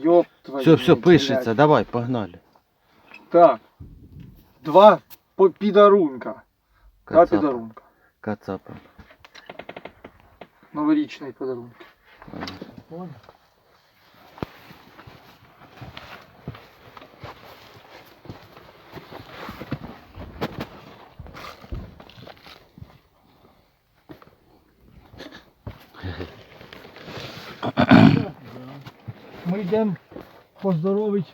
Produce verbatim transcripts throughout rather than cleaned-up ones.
Ёб твою. Все, все, блядь, пишеться, блядь. давай, погнали. Так. Два по- підарунка. Два Кацапа. підарунка. Кацапа. Новорічний подарунок. Понял? Ми йдемо поздоровити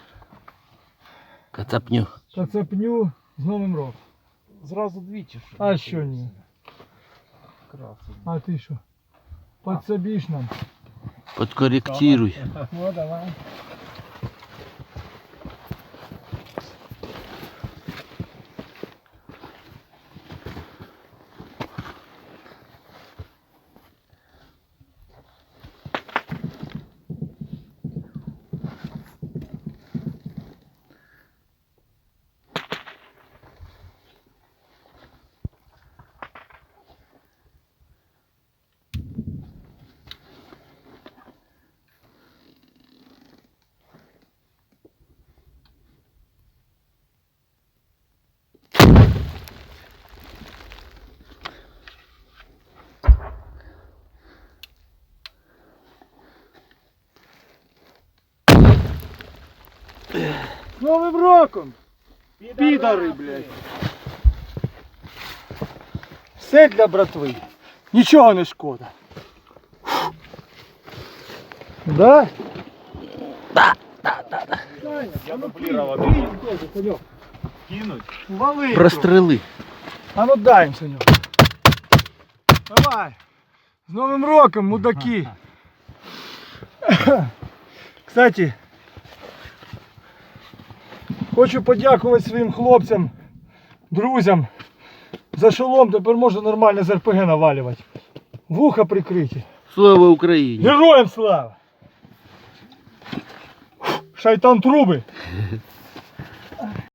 Кацапню. Кацапню з Новим роком. Зразу двічі. Що А що ні? красиво. А ти що? Подсобиш нам? Подкорректируй. Ну давай. З Новим роком! Підари, блядь! Все для братви. Нічого не шкода. Да? Я дублировал. Кинуть. Вали. Прострели. А ну дай їм, Саню. Давай. З Новим роком, мудаки. Кстати, хочу подякувати своїм хлопцям, друзям. За шолом тепер можна нормально з РПГ навалювати. Вуха прикриті. Слава Україні! Героям слава! Шайтан труби!